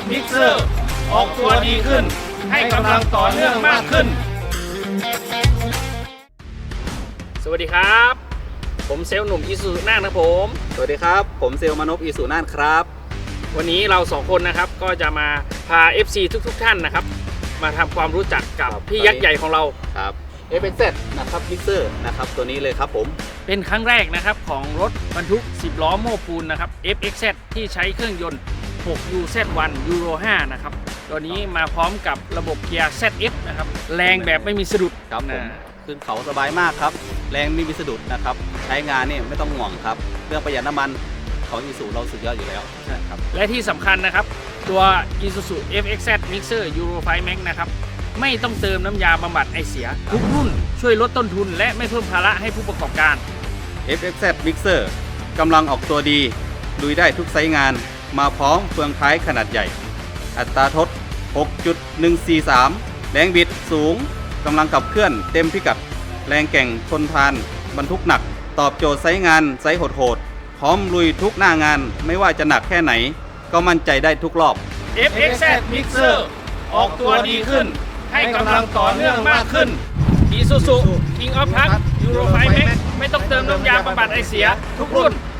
มิกเซอร์ออกตัวดีขึ้นให้กำลังต่อเนื่องมากขึ้นสวัสดีครับผมเซลล์หนุ่มอีซูน่านครับผมสวัสดีครับผมเซลล์มนพอีสุน่านครับวันนี้เราสองคนนะครับก็จะมาพา FC ทุกท่านนะครับมาทำความรู้จักกับพี่ยักษ์ใหญ่ของเราครับ FXZ นะครับมิกเซอร์นะครับตัวนี้เลยครับผมเป็นครั้งแรกนะครับของรถบรรทุก10ล้อโม้ปูนนะครับ FXZ ที่ใช้เครื่องยนต์6 UZ1 Euro 5นะครับตัวนี้มาพร้อมกับระบบเกียร์ ZF นะครับแรงแบบไม่มีสะดุดครับผมขึ้นเขาสบายมากครับแรงไม่มีสะดุดนะครับใช้งานนี่ไม่ต้องห่วงครับเรื่องประหยัดน้ำมันของอีซูเราสุดยอดอยู่แล้วครับและที่สำคัญนะครับตัว Isuzu FXZ Mixer Euro 5 Max นะครับไม่ต้องเติมน้ำยาบำบัดไอเสียทุกรุ่นช่วยลดต้นทุนและไม่เพิ่มภาระให้ผู้ประกอบการ FXZ Mixer กำลังออกตัวดีลุยได้ทุกไซส์งานมาพร้อมเฟืองท้ายขนาดใหญ่อัตราทด 6.143 แรงบิดสูงกำลังขับเคลื่อนเต็มพิกัดแรงแก่งทนทานบรรทุกหนักตอบโจทย์ไซส์งานไซส์โหดๆพร้อมลุยทุกหน้างานไม่ว่าจะหนักแค่ไหนก็มั่นใจได้ทุกรอบ FXZ Mixer ออกตัวดีขึ้นให้กำลังต่อเนื่องมากขึ้น Isuzu King of Truck Euro 5 Max ไม่ต้องเติมน้ำยาบำบัดไอเสียทุกรุ่น